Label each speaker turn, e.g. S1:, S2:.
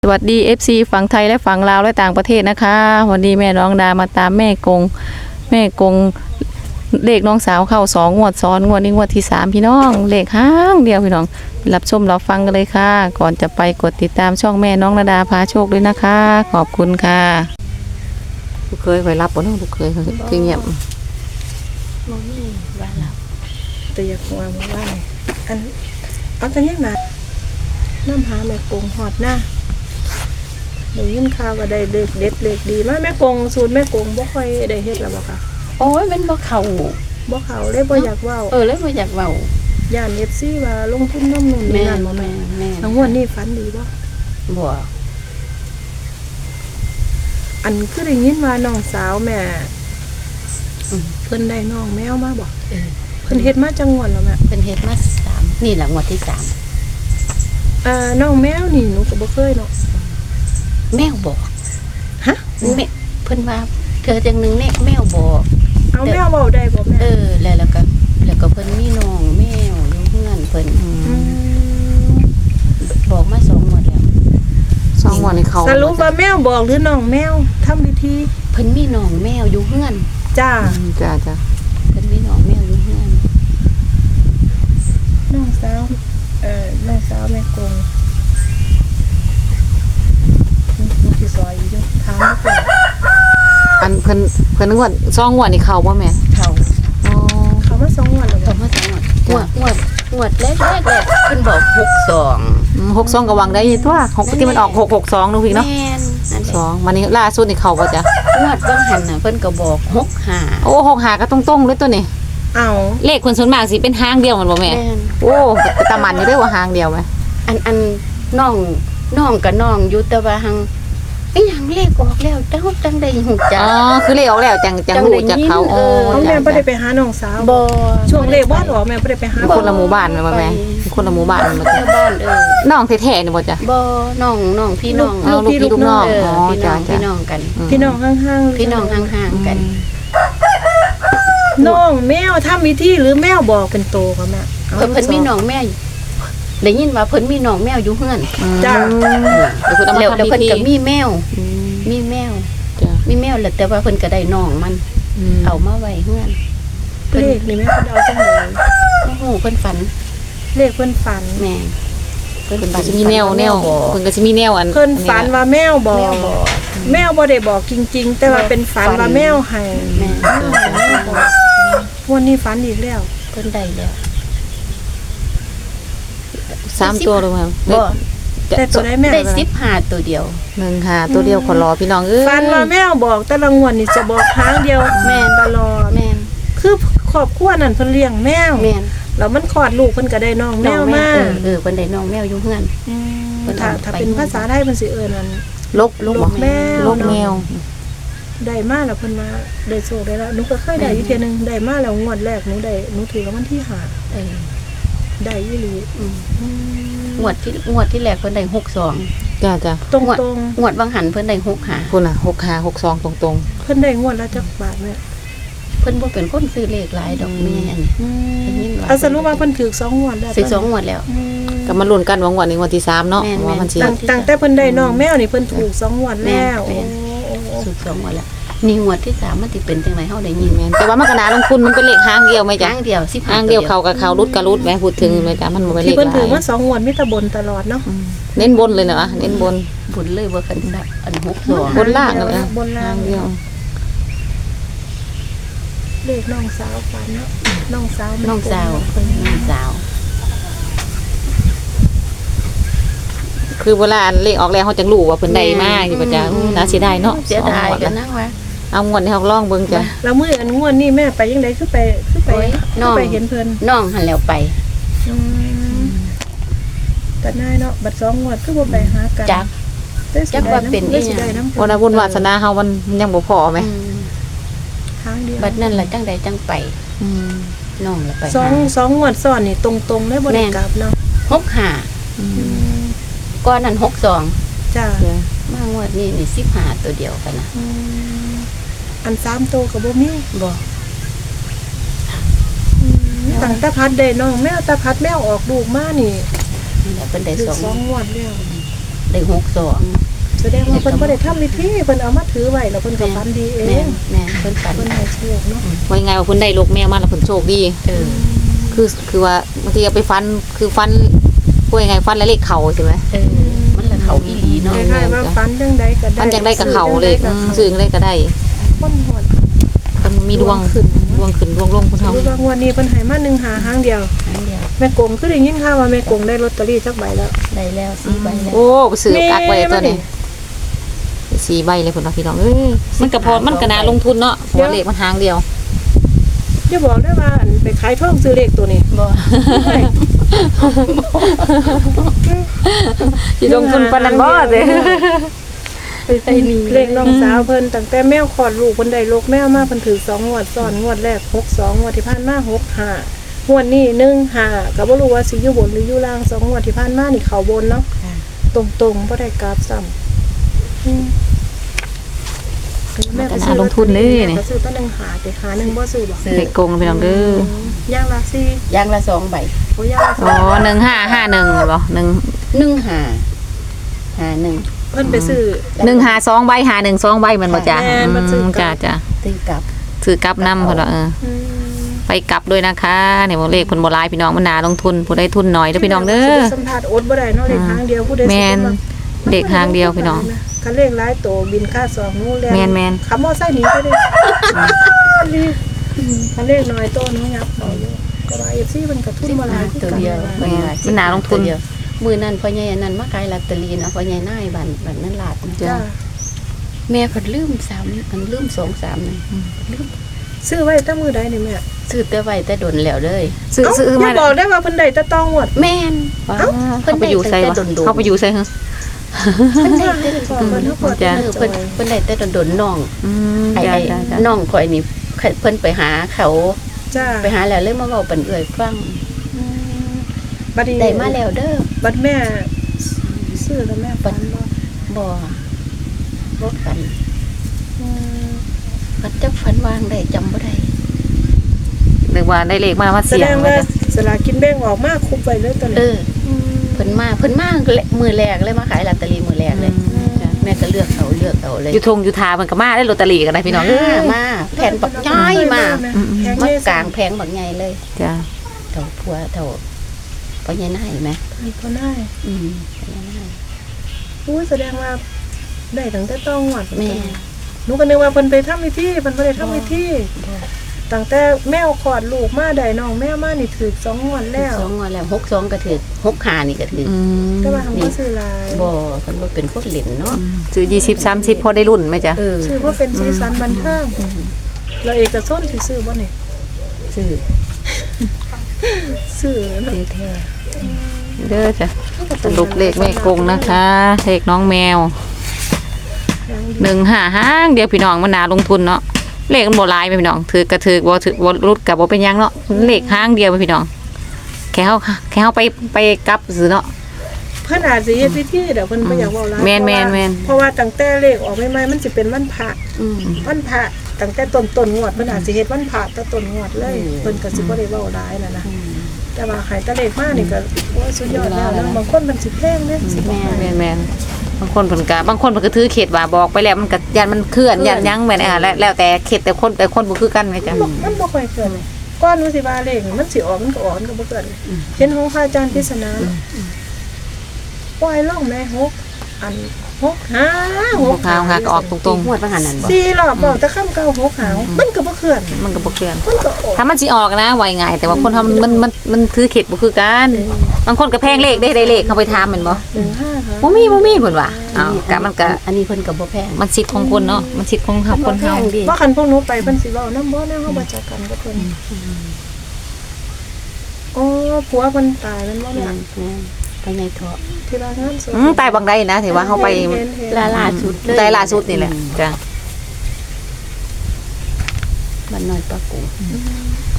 S1: สวัสดี FC ฝั่งไทยและฝั่งลาวและต่างประเทศนะคะวันนี้แม่น้องดามาตามแม่กงเลขน้องสาวเข้า2 งวดซ้อนงวดนี้งวดที่3พี่น้องเลขห้างเดียวพี่น้องรับชมรับฟังกันเลยค่ะก่อนจะไปกดติดตามช่องแม่น้องดาพาโชคด้วยนะคะขอบคุณค่ะลูกเคยไปรับบ่เนาะลูกเคยคือเงียบ
S2: มองนี่ว่าเราแต่อยากว่าอันเอาแต่ยังนะน้ำหาแม่กงหอดหน้าเดี๋ยวยินข่าวก็ได้เด็กเด็ดเด็กดีมาแม่กงสูตรแม่กงบ่ค่อยได้เฮ็ดแล้วบ่ค่ะ
S3: โอ้ยมันบ่เข้า
S2: บ่เขาเลยบ่อยากเว้า
S3: แล้วบ่อยากเว้า
S2: ย่าน FC ว่าลงทุนน้ำนุ่นนี่นั่นบ่แม่ทั้งวันนี้ฝันดีบ่
S3: บ่
S2: อันคือได้ยินว่าน้องสาวแม่เพิ่นได้น้องแมวมาบ่เพิ่นเฮ็ดมาจังหวัดแล้วแม่
S3: เพิ่นเฮ็ดมา3นี่แหละงวดที่3
S2: น้องแมวนี่หนูก็บ่เคยเนาะ
S3: แมวบอก
S2: ฮะ
S3: แม่เพิ่นว่าเธอจังหนึงแมวบอก
S2: เอาแมวเว้าได้บ่แม่
S3: แล้วก็เพิ่นมีน้องแมวอยู่เฮือนเพิ่นบอกมา2งวดแล้ว
S1: 2 งวดนี้เขา
S2: สรุปว่าแมวบอกหรือน้องแมวทำพิธี
S3: เพิ่นมีน้องแมวอยู่เฮือน
S2: จ้า
S1: จ้า
S3: เพิ่นมีน้องแมวอยู่เฮือน
S2: น้องสาวน้องสาวแม่กงนี่ที่ซอยอยู่ถามมาก่อน
S1: อันเพิ่นงวด2 งวดนี่เข้าบ่แม่
S3: เข้า
S1: อ๋อ
S2: เขามา2 วันแล้ว
S3: เข้ามา2งวดแรกเพิ่นบอก62
S1: 62ก็หวังได้อยู่ตัว6ที่มันออก662นูพี่เนาะ
S3: แม่นนั่นแหละ
S1: 2วันนี้ล่าสุดนี่เข้าบ่จ้ะ
S3: งวดบางหันน่ะเพิ่นก็บอก65
S1: โอ้6หาก็ตรงๆเลยตัวนี้
S2: เอา
S1: เลขคนส่วนมากสิเป็นหางเดียวมันบ่แม่
S3: แม่น
S1: โอ้แต่ตามันอยู่ได้ว่าหางเดียวไหม
S3: อันน้องกับน้องอยู่แต่ว่าหังอีหยังเลขออกแล้วจังได้ฮู้จั
S1: อ๋
S3: ก
S1: อคือเลขออกแล้วจังรู้จากเขา
S3: เออ
S2: เอาแม่บ่ได้ไปหาน้องสาว
S3: บ่
S2: ช่วงเลขบ่ออกแม่บ่ได้ไปหา
S1: คนละหมู่บ้านแม่บ่แม่คนละหมู่บ้านมันบ่
S3: ชา
S1: จ้ะ
S3: วบ้าน
S1: น้องแท้ๆนี่บ่จ้ะ
S3: บ่น้องพี่น้อง
S1: ลูกพี่ลูกน้อง
S3: เออ
S1: อ๋อ
S3: พี่น้
S1: จ้ะ
S3: อง
S1: จ้ะ
S3: พี่น้องกัน
S2: พี่น้องห่างๆ
S3: พี่น้องห่างๆกัน
S2: น้องแมวทำพิธีหรือแมวบอกเป็นโตก็แม่อา
S3: เพิ่นมีน้องแม่ได้ยินว่าเพิ่นมีน้องแมวอยู่เฮือน
S2: จ้า
S1: เดี๋ยวเพิ่นเอามา
S3: แล้ว
S1: ทำ
S3: เพิ่น
S1: พิธี
S3: ก็มีแมว
S1: จ้ะ
S3: มีแมวแล้วแต่ว่าเพิ่นก็ได้น้องมันเอามาไว้เฮือน
S2: เลขนี่แม่เพิ่นเอาจังได๋
S3: โอ้โหเพิ่นฝัน
S2: เลขเพิ่นฝัน
S3: แม่เพิ่น
S1: เพิ่น
S3: ฝั
S1: ก็
S3: น
S1: สิมีแนว
S3: บอก
S1: เพิ่นก็สิมีแนวอัน
S2: เพิ่นฝันว่าแมวบอ
S3: แม
S2: ก
S3: วบอก
S2: แมวบ่ได้บอกจริงๆ แต่ว่าเป็นฝันว่าแมวให้
S3: แม่
S2: วันนี้ฝันอีกแล้ว
S3: เพิ่นได้แล้ว
S1: 3ตัวเลยแม่
S3: บ่
S2: แต่ตัวได้แม่
S3: ได้15ตัวเดียว
S1: 1หาตัวเดียวขอรอพี่น้องเอ้ย
S2: ฝันว่าแมวบอกแต่ละงวดนี่จะบอกครั้งเดียว
S3: แม่น
S2: ตลอด
S3: แม่น
S2: คือครอบครัวนั่นเพิ่นเลี้ยงแมว
S3: แม่น
S2: แล้วมันคลอดลูกเพิ่นก็ได้น้องแมวมา
S3: เพิ่นได้น้องแมวอยู่เฮือน เพิ่น
S2: ถ้า
S3: เอา
S2: ถ้า
S3: ไป
S2: เป็นภาษาไทยเพิ่นสิเอิ้นนั่น
S1: ลก
S2: ลกแมว
S1: ลกแมว
S2: ได้มาแล้วเพิ่นมาได้โชคได้แล้วหนูก็เคยได้อยู่เทื่อนึงได้มาแล้วงวดแรกหนูถือรางวัลที่ห้า
S3: เออ
S2: ได้อีหลี
S3: งวดที่แรกเพิ่นได้62
S1: จ้ะ
S2: ตรง
S3: งวดบางหันเพิ่นได้65
S1: คุณน่ะ6หา62ตรง
S2: ๆเพิ่นได้งวดละจักบาทแม่
S3: เพิ่นบ่เป็นคนซื้อเลขหลายดอกแม่อันนี้ได้ยินว่า
S2: เอาสรุปว่าเพิ่นถือ2งวดแล้ว
S3: ซื้อ2งวดแล้ว
S1: ๆก็มาลุ้นกันว่างวดนี้งวดที่3เนาะ
S3: แม่น
S1: ว่ามันสิ
S2: ตั้งแต่เพิ่นได้น้องแมวนี่เพิ่นถูก2งวดแล้ว
S3: แม่น ซื้อ2งวดแล้วนี่งวดที่3มันสิเป็นจังไดเฮาได้ยิน
S1: แม่นแต่ว่ามันก็น่าลงทุนมันเป็นเลขหางเดียวไหม
S3: ค
S1: จ๊ะ
S3: รั้งเดียว15
S1: หางเดียวเขากับเขารุดกับรุดแม่พูดถึงไหมจ๊ะมันบ่เป็นเล
S2: ที่
S1: ข
S2: เพิ่น
S1: ห
S2: ถือ
S1: ลาย
S2: มา2งวดมีแต่บนตลอดเนาะ
S1: เน้นบนเลยเนาะเน้นบน
S3: บุญเลยบ่คันได้อัน62
S1: บนล่างเลยนะ
S2: บนล่าง
S1: เดียว
S2: เลขน้องสาวฝันเนาะน้องสาว
S3: น้องสาว
S1: คือเวลาเลขออกแล้วเขาจังรู้ว่าเพิ่นได้มากอยู่ป่ะจ๊ะน่าเสียดายเนาะ
S3: เสียดาย
S1: สองงว
S3: กัน
S1: ละ
S3: นะว่า
S1: เอางวดนี้เขาลองเบิ่งจ้ะ
S2: แล้วมื้ออันงวดนี้แม่ไปยังไดคือไป
S3: โอ้ยน้อง
S2: ไปเห็นเพิ่น
S3: น้องหันแล้วไป
S2: แต่นายเนาะบัด2งวดคือบ่ไปหากัน
S3: จัก จักว่าเป็นอีหยัง
S2: ได้น้ำ
S1: วันนั้นบุญวาสนาเฮามันยังบ่พอไหม
S2: ทางเดียว
S3: บัดนั้นล่ะจังใดจังไปน้องล่ะไป
S2: สองงวดซ้อนนี่ตรงๆได้บ่ได้กลับเนาะ
S3: 65ก่อนนั้น62
S2: จ้า
S3: มางวดนี้นี่15ตัวเดียวกันนะ
S2: อัน3โตก็บ่มี
S3: บ่
S2: ตั้งแต่พัดได้น้องแมวแต่พัดแมวออกลูกมานี่
S3: นี่แหละเพิ่นได้
S2: ถือ
S3: 2
S2: 2งวดแล้ว
S3: ได้62
S2: แสดงว่าเพิ่นบ่ได้ทำพิธีเพิ่นเอามาถือไว้แล้วเพิ่นก็ฝันดีเอ
S3: แม่
S2: ง
S3: แม่เพิ่นฝัน
S2: เพิ่นให้โชคเนาะ
S1: ว่ายังไงว่าเพิ่นได้ลูกแมวมาแล้วเพิ่นโชคดี คือว่าบางทีเอาไปฟันคือฟันพูดยังไงฟันแล้วเลขเข่าใช่ไหม
S3: มันละเขาอีหลีเนาะ
S2: คล้ายๆว่าฝันจังใดก็ได้
S1: ฟันยังได้กับเข่าเลยซื้อยังได้ก็ได้
S2: คนหอด
S1: มันมีดวงขึ้นดวงลงคุณเฮา
S2: รู้ว่างวดนี้เพิ่นให้มา1หาหางเดียว
S3: อันเดียว
S2: แม่กงคือได้ยินข่าวว่าแม่กงได้ลอตเตอรี่สักใบแล้ว
S3: ได้แล้ว4ใบแล้ว
S1: โอ้ไปซื้อกักไว้ตัวนี้4ใบเลยพุ่นว่าพี่น้องเอ้ยมันก็พอมันก็น่าลงทุนเนาะหัวเลขมันหางเดียว
S2: อย่าบอกได้ว่าอันไปขายทองซื้อเลขตัวนี้
S3: บ่
S1: สิลงทุนปานนั้นบ่เด้
S3: ไปใส่นี่
S2: เลขน้องสาวเพิ่นตั้งแต่แมวคลอดลูกเพิ่นได้ลูกแมวมาเพิ่นถือ2งวดซ้อนงวดแรก62งวดที่ผ่านมา65งวดนี้15ก็บ่รู้ว่าสิอยู่บนหรืออยู่ล่าง2งวดที่ผ่านมานี่เข้าบนเนาะตรงๆบ่ได้กราฟซ้ำก็ซื้อตั้ง1หาแต่หา1บ่ซื้อบ่
S1: เลขกงพี่น้องเด้
S2: อย่างละ4
S3: อย่างละ2ใบ
S2: โอ้อย่างละ
S1: อ๋อ1551บ่
S3: 1551
S2: เพิ่นไปซื้อ
S1: 152ใบ512ใบมันบ่จ้ะ
S2: แม่นมันซื้อ
S1: จ้ะจ้ะ
S3: ตีกลับ
S1: ซื้อกลับนำเพิ่นว่าไปกลับด้วยนะคะเนี่ยบ่เลขเพิ่นบ่หลายพี่น้องมันน่าลงทุนผู้ใดทุนน้อยเด้อพี่น้องเด้อ
S2: สัมภาษณ์อดบ่ได้เนาะเลขทางเดียวผู้ใด
S1: แม่นเด็กทางเดียวพี่น้อง
S2: คันเลขหลายโตบินค่า2นู้นแล้ว
S1: แม่น
S2: ขับมอไซค์หนีไปเด้คันเลขน้อยโตนู้นยับเอาอยู่แต่ว่า FC มันก็ทุนบ่หลายคือ
S3: ตัว
S2: กัน
S3: เดียว
S1: มันน่าลงทุน
S3: มื้อนั้นพ่อใหญ่อันนั้นมาขายลอตเตอรี่นะพ่อใหญ่นายบ้านนั้นลาดนะ
S2: จ้า
S3: แม่เพิ่นลืม3มันลืม2-3นี่ลืม
S2: ซื้อไว้แต่มื้อใดนี่แม่
S3: ซื้อแต่ไว้แต่ดนแล้วเลย
S1: ซื้อ
S2: อย่า
S1: มา
S2: บอกได้ว่าเพิ่นได้แต่ต้องหมด
S3: แม่น
S1: เขาไปอยู่ไสวะเขาไปอยู่ไสฮะ
S3: เพิ่นได้แต่
S2: เพิ่นเฮาเปิด
S1: จ้ะ
S3: เพิ่นได้แต่ดนน้อง ไอ้
S1: จ้ะ
S3: น้องข่อยนี่เพิ่นไปหาเขา
S2: จ้า
S3: ไปหาแล้วเลยมาเว้าปันเอื้อยฟัง
S2: บัดนี้
S3: ได้มาแล้วเด้อ
S2: บัดแม่ซื้อแล้วแม่ฝันบ่
S3: บ่รถกันพัดจักฝันวางได้จำบ่ได้
S1: นึกว่าได้เลขมา
S2: แส
S1: เสี่ย
S2: ด
S1: ง
S2: ง
S1: ไว้
S2: ว่า
S1: จ้ะ
S2: สลากกินแบ่งออกมาคุบไปเลยตอน
S3: เอ
S2: นี้
S3: อเพิ่นมามือแรกเลยมาขายลอตเตอรี่มือแรกเลย แม่ก็เลือกเอาเลย
S1: อยู่ทงอยู่ทามันก็มาได้ลอตเตอรี่กันได้พี่น้องเอ้ย
S3: มาแผ่นบักย้อยมา
S2: แพง
S3: มา
S2: เย
S3: กลางแพงบักใหญ่เลย
S1: จ้ะ
S3: เท่าผัวเท่าพ่อใหญ่นายไหม
S2: ก็ได้
S3: พ่อใหญ่นาย
S2: อู้แสดงว่าได้ตั้งแต่ต้องหวัด
S3: แม่
S2: หนูก็นึกว่าเพิ่นไปทำพิธีเพิ่นบ่ได้ทำพิธีตั้งแต่แมวคลอดลูกมาได้น้องแมวมานี่ถูก2งวดแล้ว
S3: 2งวดแล้ว62ก็ถือ65นี่ก็ถือ
S2: แต่ว่าทำบ่ซื้อหลาย
S3: บ่เพิ่นบ่เป็นคนเล่นเนาะ
S1: ซื้อ20 30พอได้รุ่นไหมจ๊ะ
S2: ซื้อเพราะเป็นสีสันบันเทิงแล้วเอกชนสิซื้อบ่นี่
S3: ซื้อ
S2: ซื้อเนาะ
S3: แท้
S1: เด้อจ้ะสรุปเลขแม่กงนะคะเลขน้องแมว155ห้างเดียวพี่น้องมันน่าลงทุนเนาะเลขมันบ่หลายพี่น้องถือกระถือบ่รุดกับบ่เป็นหยังเนาะเลขห้างเดียวพี่น้องแค่เฮาไปกลับซื้อเนาะ
S2: เพิ่นอาจสิเฮ็ดพิธีเดี๋ยวเพิ่นบ่อยากเว้าหลาย
S1: แม่น
S2: เพราะว่าตั้งแต่เลขออกใหม่ๆมันสิเป็นวันพระ
S3: ๆ
S2: วันพระตั้งแต่ต้นงวดเพิ่นอาจสิเฮ็ดวันพระแต่ต้นงวดเลยเพิ่นก็สิบ่ได้เว้าหลายนะแต่ว่าให้แตะเลขมานี่ก็โอ้ยสุดยอดแล้วนะบางคนมันสิแพงเด้สิบ่ให้
S1: แม่นบางคนเพิ่นก็ถือเขตว่าบอกไปแล้วมันก็ยันมันเคลื่อนยันยังแม่นแล้วแต่เขตแต่คนบ่คือกันแม่จ้ะ
S2: มันบ่ค่อยเกินก้อนว่าสิว่าเลขนี่มันสิออกมันก็ออกมันก็บ่เกินเห็นของพระอาจารย์พิษณาปล่อยล่องแม่6อัน6 5 6
S1: หาก็ออกตรง
S3: งวดว่าหันนั่นบ่
S2: 4รอบบอกแต่คำเก่า6หาวมันก็บ่เคลื่อน
S1: ๆมันก็บ่เคลื่อน
S2: มันก็ออก
S1: ถ้ามันสิออกนะไวง่ายแต่ว่าคนทำมันถือเขตบ่คือกันบางคนก็แพงเลขได้เลขเขาไปถามแม่นบ่
S2: 15ค่ะ
S1: บ่มีเพิ่นว่าอ้าวก็มันก็
S3: อันนี้เพิ่นก็บ่แพง
S1: มันสิทธิ์ของคนเนาะมันสิทธิ์ของคนเฮา
S3: ดิ
S2: ว่าคันพวกหนูไปเพิ่นสิเว้านำบ่แนวเฮาบ่จักกันกับเพิ่นอ๋อผัวเพิ่นตายแม่นบ่
S3: แม่
S2: แม่
S3: นไปในเถาะ
S2: ที่ว่างานศพ
S1: ตายบางใดนะถือว่าเฮาไป
S3: ล่าสุดเลย
S1: ตายล่าสุดนี่แหละจ้ะ
S3: บ้านน้อยปะกู